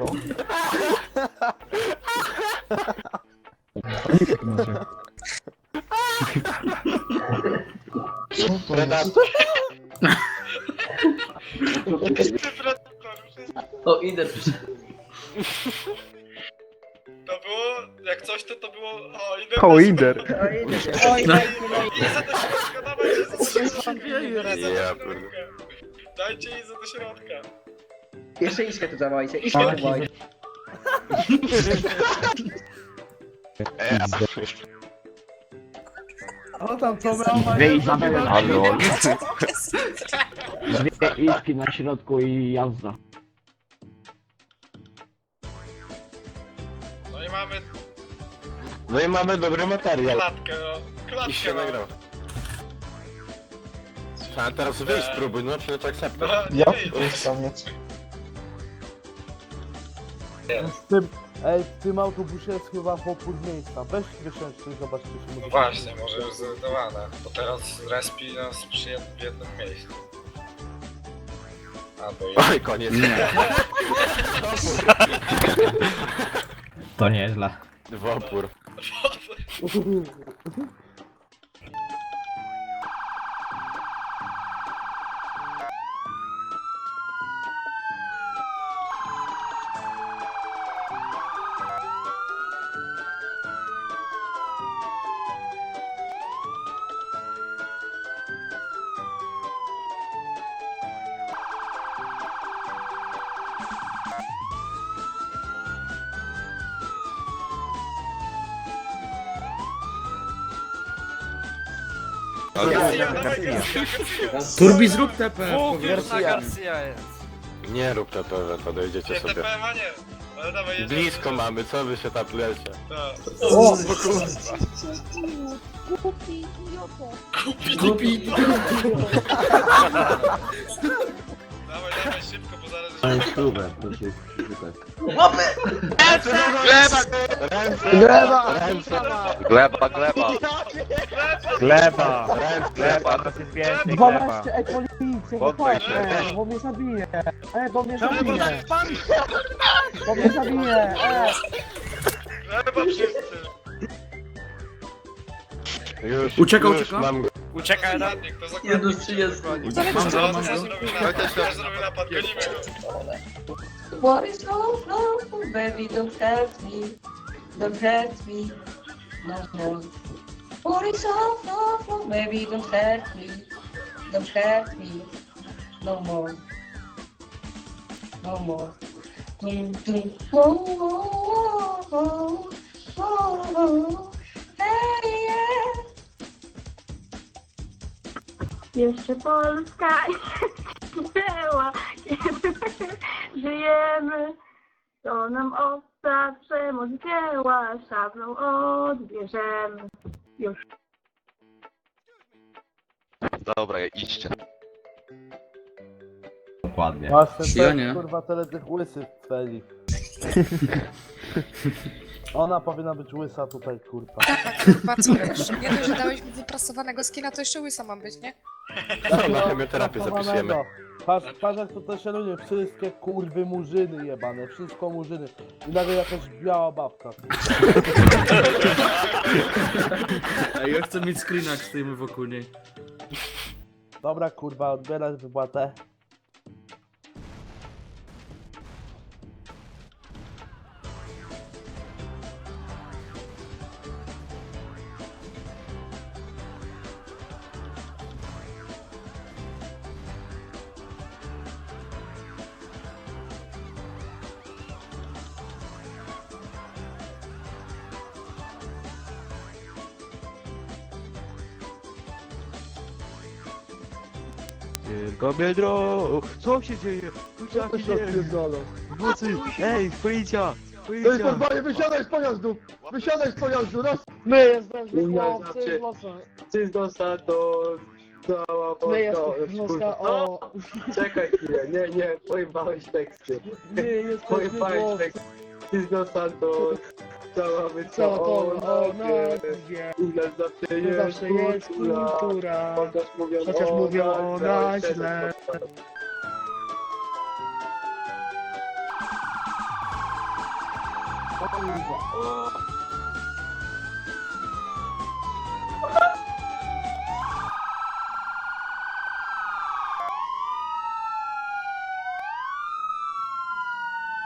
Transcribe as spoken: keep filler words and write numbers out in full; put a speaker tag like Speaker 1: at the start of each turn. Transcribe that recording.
Speaker 1: Predator.
Speaker 2: O, idę przyszedł.
Speaker 3: To było, jak coś to to było, o, idę.
Speaker 4: O, Inder.
Speaker 5: Oj,
Speaker 3: Idę do środka, dawajcie Izę do środka. Izę do
Speaker 1: Ja
Speaker 3: środka. Dajcie Izę do środka.
Speaker 2: Jeszcze Iśkę tu dawajcie, Iśkę tu dawajcie.
Speaker 1: Ej,
Speaker 6: O tam co miał
Speaker 7: Dwie Izabele na środku.
Speaker 5: Lol.
Speaker 7: Dwie Iski na środku i jazda.
Speaker 3: No i mamy
Speaker 1: no i mamy dobry materiał.
Speaker 3: klatkę, no.
Speaker 1: I
Speaker 3: Klatkę,
Speaker 1: się
Speaker 3: no.
Speaker 1: nagrał. Trzeba teraz wyjść, spróbuj, no czy to akceptuj.
Speaker 3: No,
Speaker 6: Ja
Speaker 3: nie idę.
Speaker 6: W tym, ej, w tym autobusie jest chyba opór miejsca. Weź wysiądźcie i zobaczcie, czy
Speaker 3: No
Speaker 6: może...
Speaker 3: właśnie, może już zrezygnowane, bo teraz respi nas przy jed w jednym miejscu. A, bo jest.
Speaker 1: Oj, koniec.
Speaker 5: To nieźle.
Speaker 1: W opór.
Speaker 3: Garcia, dawaj Garcia, Garcia.
Speaker 5: Turbi zrób T P.
Speaker 8: Kurna Garcia jest.
Speaker 1: Nie rób te pewne, to dojdziecie
Speaker 3: Nie,
Speaker 1: sobie.
Speaker 3: T P M, a nie. Ale dawaj, jedziemy.
Speaker 1: Blisko mamy, co wy się tam lecie?
Speaker 3: Tak.
Speaker 6: O!
Speaker 9: Głupi idioto.
Speaker 3: Kupi, Dawaj, dawaj, szybko, bo zaraz...
Speaker 7: To jest próbę, to się szukać.
Speaker 1: Gleba! Ręce! Gleba! Ręce!
Speaker 8: Gleba, gleba.
Speaker 4: Gleba.
Speaker 1: Ręce!
Speaker 4: Gleba, to jest więcej gleba.
Speaker 6: dwanaście, ej, policja,
Speaker 8: Poddaj się.
Speaker 6: ej, bo mnie zabije. Ej, bo mnie zabije. Bo mnie zabije, ej.
Speaker 3: Chyba wszyscy.
Speaker 1: Już,
Speaker 5: Ucieka,
Speaker 1: już
Speaker 5: ucieka.
Speaker 1: mam go.
Speaker 8: Uciekaj na...
Speaker 3: Ostatni, kto zakładnik.
Speaker 2: Jedno trzydzieści.
Speaker 5: Mam go, mam
Speaker 3: Co
Speaker 5: go.
Speaker 3: zrobił napad? Co zrobił napad? Gonimy go.
Speaker 9: What is love, love, baby, don't hurt me. Don't hurt me. No more. What is love, love, love, baby, don't hurt me. Don't hurt me. No more. No more. Dum, dum. Oh, oh, oh, oh, oh. Hey, yeah.
Speaker 10: Jeszcze Polska była, kiedy żyjemy, to nam obca przemoc dzieła, szablą odbierzemy. Już.
Speaker 8: Dobra, idźcie.
Speaker 5: Dokładnie.
Speaker 6: Właśnie,
Speaker 5: Ja
Speaker 6: ten,
Speaker 5: nie.
Speaker 6: kurwa, tyle tych łysych tweli. Ona powinna być łysa tutaj, kurwa.
Speaker 11: Kurwa, co wiesz? Nie dość, że dałeś mi wyprasowanego skina, to jeszcze łysa mam być, nie?
Speaker 1: Co, na chemioterapię zapisujemy.
Speaker 6: Patrz, patrz jak tutaj się ludzie, wszystkie kurwy murzyny jebane, wszystko murzyny. I nagle jakaś biała babka.
Speaker 5: Ej, ja chcę mieć screena, jak stoimy wokół niej.
Speaker 6: Dobra kurwa, odbierać wypłatę.
Speaker 4: Tylko biedro! Co się dzieje? Tu się dzieje? W nocy! Ej, policja! Policja!
Speaker 6: wysiadaj z pojazdu! Wysiadaj z pojazdu, raz!
Speaker 10: My jesteśmy chłopcy,
Speaker 2: Wszystko za to cała
Speaker 10: my jesteśmy o...
Speaker 2: Czekaj chwilę, nie, nie, pojebałeś teksty.
Speaker 10: My jesteśmy
Speaker 2: Pojebałeś
Speaker 10: chłopcy,
Speaker 2: teksty. Wszystko Santos, cała
Speaker 10: co to o
Speaker 2: wycofana.
Speaker 10: nazwie.
Speaker 2: U nas zawsze
Speaker 10: To
Speaker 2: jest
Speaker 10: zawsze jest
Speaker 2: kultura.
Speaker 10: kultura.
Speaker 2: Chociaż mówią
Speaker 10: Chociaż
Speaker 2: o
Speaker 10: mówią o
Speaker 2: nas
Speaker 10: nas źle.
Speaker 2: kurwa. O.